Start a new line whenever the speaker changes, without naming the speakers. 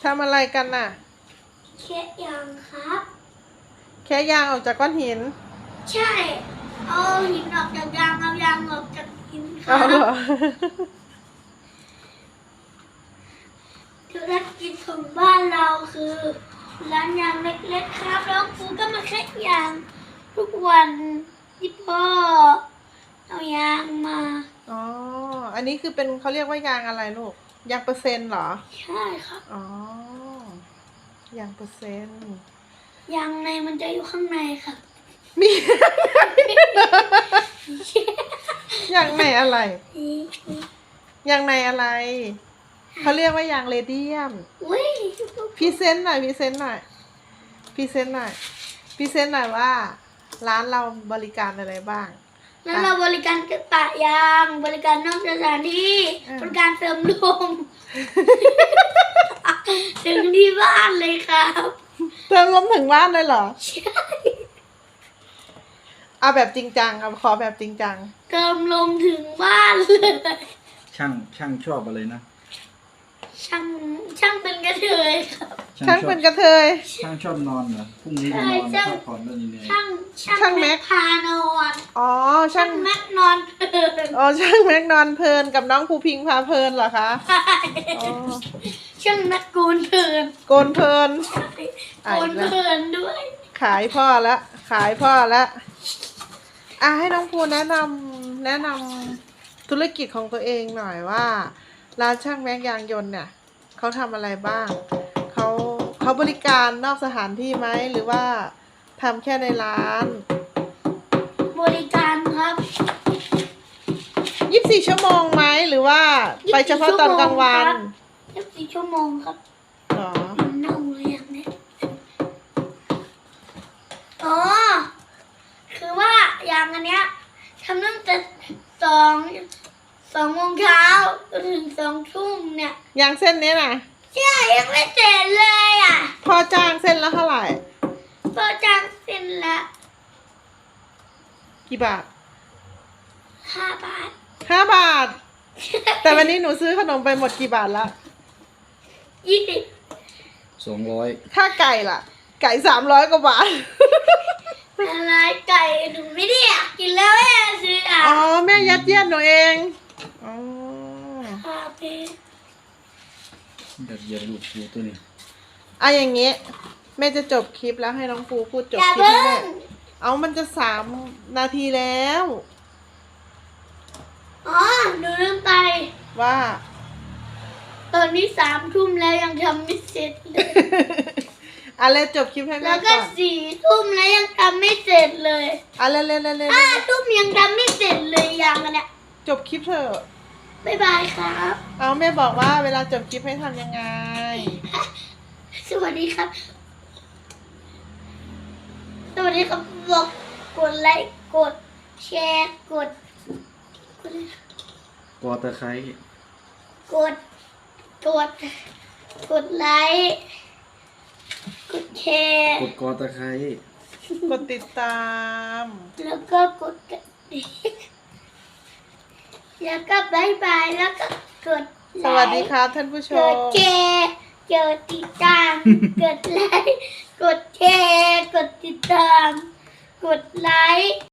ทำอะไรกันน่ะ
แค่ยางครับ
แค่ยางออกจากก้อนหิน
ใช่เอาหินออกจากยางเอายางออกจากหินครั
เอาเหร
บ
อ
ธุรกิจของบ้านเราคือร้านยางเล็กๆครับแล้วครูก็มาแค่ยางทุกวันที่พ่อเอายางมา
อ๋ออันนี้คือเป็นเขาเรียกว่ายางอะไรลูกยางเปอร์เซ็นต์เหรอ
ใช่ครับ
อ๋อยางเปอร์เซ็นต์
ยางในมันจะอยู่ข้างในครับ
มี ยางในอะไรยางในอะไรเขาเรียกว่ายางเรเดียม
อุ้ย
พรีเซนต์หน่อยพรีเซนต์หน่อยพรีเซนต์หน่อยพรีเซนต์หน่อยว่าร้านเราบริการอะไรบ้าง
แล้วเราบริการกระปะยางบริการนอกสถานที่บริการเสริมลม ถึงที่บ้านเลยครับ
เติมลมถึงบ้านเลยเหรอ
ใช่
เอาแบบจริงจังเอาขอแบบจริงจัง
เติมลมถึงบ้านเลย
ช่างชอบอะไรนะ
ช่างเป็นกระเทยครับ
ช่างเป็นกระเทย
ช่างชอบนอนเหรอพรุ่งนี้จะนอนพักผ่อนแล้วนี่เนี่ย
ช่างแม็กพานอน
อ๋อ
ช่างแม็กนอนเพลิน
อ๋อช่างแม็กนอนเพลินกับน้องภูพิงพาเพลินเหรอคะอ๋อ
ช่างแม็กโกนเพลิน
โกนเพลิน
โกนเพลินด้วย
ขายพ่อแล้วขายพ่อแล้วให้น้องภูแนะนำธุรกิจของตัวเองหน่อยว่าร้านช่างแม็กยางยนต์เนี่ยเขาทำอะไรบ้างเขาบริการนอกสถานที่ไหมหรือว่าทำแค่ในร้าน
บริการครับ
24 ชั่วโมงไหมหรือว่าไปเฉพาะตอนกลางวัน
24 ชั่วโมงครับ
อ๋อ
เน่าเลยอย่างนี้อ๋อคือว่ายางอันเนี้ยทำตั้งแต่2 โมงเช้าจนถึง2 ทุ่มเนี่ย
ยางเส้นนี้น่ะ
ใช่ยังไม่เสร็จเลยอ่ะ
พอจ้างเส้นละเท่าไหร่
พอจ้างเส้นละ
กี่บาท
5 บาท
5 บาทแต่วันนี้หนูซื้อขนมไปหมดกี่บาทละ
20
200
ถ้าไก่ล่ะไก่300 กว่าบาท
อะไรไก่หนูไม่ได้อยากกินแล้วแม่ซื้อ
อ๋อแม่ยัดเยียดหนูเองอ๋อ
เย็นลูกฟูตัวนี้
อย่างเงี้ยแม่จะจบคลิปแล้วให้น้องภูพูดจบคลิปให้แม่มันจะ3 นาทีแล้ว
อ๋อหนูลืมไป
ว่า
ตอนนี้3 ทุ่มแล้วยังทำไม่เสร็จเลย
อะไรจบคลิปให้แม่ก่อน
แล้วก็4 ทุ่มแล้วยังทำไม่เสร็จเลย
เร็ว
5 ทุ่มยังทำไม่เสร็จเลยยังอันเนี้ย
จบคลิปเถอะ
บ๊ายบายครับ
แม่บอกว่าเวลาจบคลิปให้ทำยังไง
สวัสดีครับสวัสดีครับบอกกดไลค์กดแชร์กด
ตะไคร้
กดไลค์กดแชร์
กดตะไคร้
กดติดตาม
แล้วก็กดกระดิ่งแล้วก็บายบายแล้วก็กดไลค์
สวัสดีครับท่านผู้ชม
กดแชร์กดติดตามกดไลค์กดแชร์กดติดตามกดไลค์